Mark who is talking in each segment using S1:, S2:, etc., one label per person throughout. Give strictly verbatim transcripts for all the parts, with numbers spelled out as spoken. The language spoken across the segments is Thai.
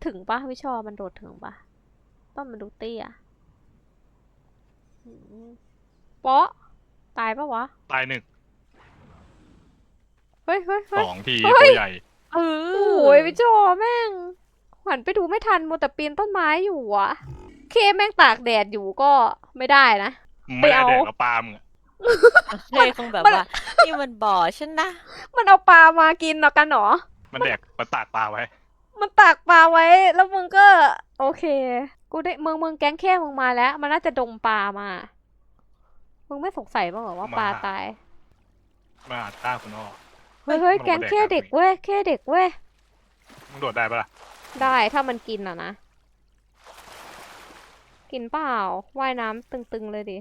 S1: ถึงปะไม่ชอบมันโดดถึงปะต้นมันดูเตี้ยเปาะตายปะวะ
S2: ตายหนึ่ง
S1: เฮ้ยเฮ้ย
S2: สองทีตัวใหญ่
S1: เออโอ้ยพี่โจแม่งหันไปดูไม่ทันมัวแต่ปีนต้นไม้อยู่อะเคแม่งตากแดดอยู่ก็ไม่ได้นะ
S2: ไม่ได้แดกแล้วปลามึง
S3: เคคงแบบว่านี่มันบ่อฉันนะ
S1: มันเอาปลามากินเนาะกันหรอ
S2: มันแดกมันตากปลาไว้
S1: มันตากปลาไว้แล้วมึงก็โอเคกูได้มึงมึงแก๊งแค่มึงมาแล้วมันน่าจะดมปลามามึงไม่สงสัยบ้างเหรอว่าปลาตาย
S2: มาต้าคุณอ้อ
S1: เฮ้ยเฮ้ยแก๊งแค่เด็กเว้ยแค่เด็กเว้ย
S2: มึงโดดได้ปะล่ะ
S1: ได้ถ้ามันกินอ่ะนะกินเปล่าว่ายน้ำตึงๆเลยดิ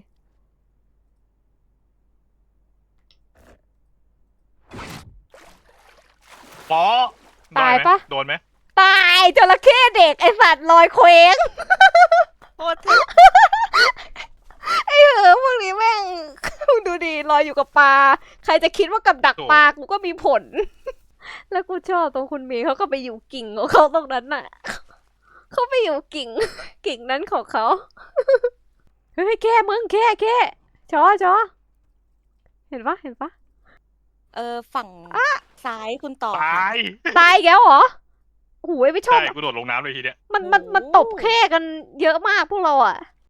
S2: ป๋อ
S1: ตายปะ
S2: โดนไหม
S1: ตายจระเข้เด็กไอสัตว์ลอยเคว้ง
S3: โคตร
S1: ไอเหอะพวกนี้แม่งดูดีลอยอยู่กับปลาใครจะคิดว่ากับดักปลากูก็มีผลแล้วกูชอบตรงคุณเมย์เขาก็ไปอยู่กิ่งของเขาตรงนั้นน่ะเขาไปอยู่กิ่งกิ่งนั้นของเขาเฮ้ยแค่มึงแค่แค่ชอชอเห็นปะเห็นปะ
S3: เออฝั่งซ้ายคุณต่อ
S2: ตาย
S1: ตายแล้วเหรอโอ้ยไม่ชอบ
S2: ใช่กูโดดลงน้ำเลยทีเนี้ย
S1: มันมันมันตบแค่กันเยอะมากพวกเราอ่ะ